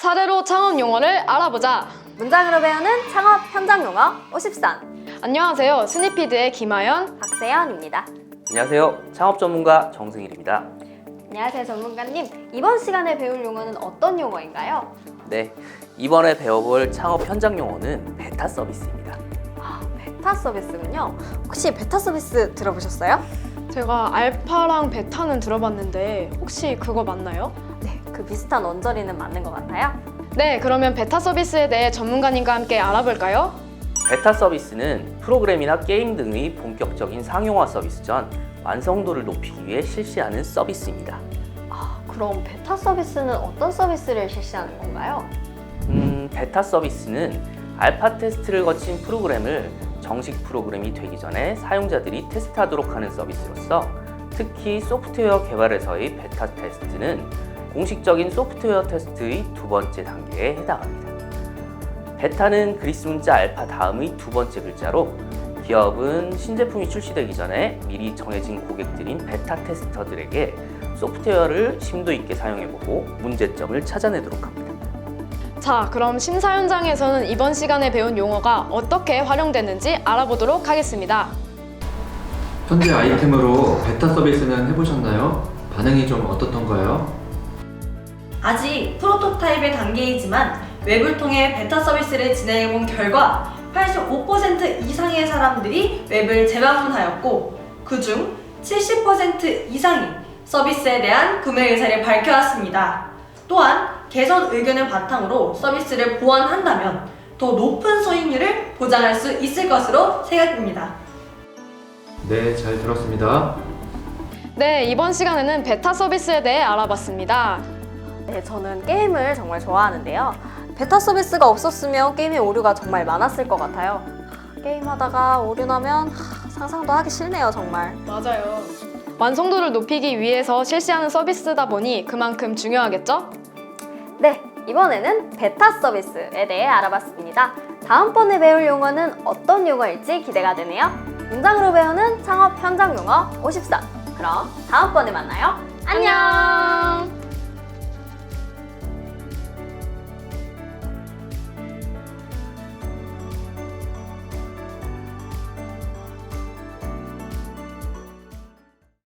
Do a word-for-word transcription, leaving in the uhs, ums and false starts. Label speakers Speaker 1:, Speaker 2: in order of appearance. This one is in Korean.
Speaker 1: 사례로 창업 용어를 알아보자.
Speaker 2: 문장으로 배우는 창업 현장 용어 오십삼.
Speaker 1: 안녕하세요. 스니피드의 김아연.
Speaker 2: 박세연입니다.
Speaker 3: 안녕하세요. 창업 전문가 정승일입니다.
Speaker 2: 안녕하세요, 전문가님. 이번 시간에 배울 용어는 어떤 용어인가요?
Speaker 3: 네, 이번에 배워볼 창업 현장 용어는 베타 서비스입니다.
Speaker 2: 아, 베타 서비스군요. 혹시 베타 서비스 들어보셨어요?
Speaker 1: 제가 알파랑 베타는 들어봤는데 혹시 그거 맞나요?
Speaker 2: 네, 그 비슷한 언저리는 맞는 것 같아요.
Speaker 1: 네, 그러면 베타 서비스에 대해 전문가님과 함께 알아볼까요?
Speaker 3: 베타 서비스는 프로그램이나 게임 등의 본격적인 상용화 서비스 전 완성도를 높이기 위해 실시하는 서비스입니다.
Speaker 2: 아, 그럼 베타 서비스는 어떤 서비스를 실시하는 건가요?
Speaker 3: 음, 베타 서비스는 알파 테스트를 거친 프로그램을 정식 프로그램이 되기 전에 사용자들이 테스트하도록 하는 서비스로서 특히 소프트웨어 개발에서의 베타 테스트는 공식적인 소프트웨어 테스트의 두 번째 단계에 해당합니다. 베타는 그리스 문자 알파 다음의 두 번째 글자로 기업은 신제품이 출시되기 전에 미리 정해진 고객들인 베타 테스터들에게 소프트웨어를 심도 있게 사용해보고 문제점을 찾아내도록 합니다.
Speaker 1: 자, 그럼 심사 현장에서는 이번 시간에 배운 용어가 어떻게 활용되는지 알아보도록 하겠습니다.
Speaker 4: 현재 아이템으로 베타 서비스는 해보셨나요? 반응이 좀 어떻던가요?
Speaker 5: 아직 프로토타입의 단계이지만 웹을 통해 베타 서비스를 진행해본 결과 팔십오 퍼센트 이상의 사람들이 웹을 재방문하였고 그중 칠십 퍼센트 이상이 서비스에 대한 구매 의사를 밝혀왔습니다. 또한 개선 의견을 바탕으로 서비스를 보완한다면 더 높은 수익률을 보장할 수 있을 것으로 생각됩니다.
Speaker 4: 네, 잘 들었습니다.
Speaker 1: 네, 이번 시간에는 베타 서비스에 대해 알아봤습니다.
Speaker 2: 네, 저는 게임을 정말 좋아하는데요. 베타 서비스가 없었으면 게임의 오류가 정말 많았을 것 같아요. 게임하다가 오류 나면 하, 상상도 하기 싫네요, 정말.
Speaker 1: 맞아요. 완성도를 높이기 위해서 실시하는 서비스다 보니 그만큼 중요하겠죠?
Speaker 2: 네, 이번에는 베타 서비스에 대해 알아봤습니다. 다음번에 배울 용어는 어떤 용어일지 기대가 되네요. 문장으로 배우는 창업 현장 용어 오십삼. 그럼 다음번에 만나요. 안녕!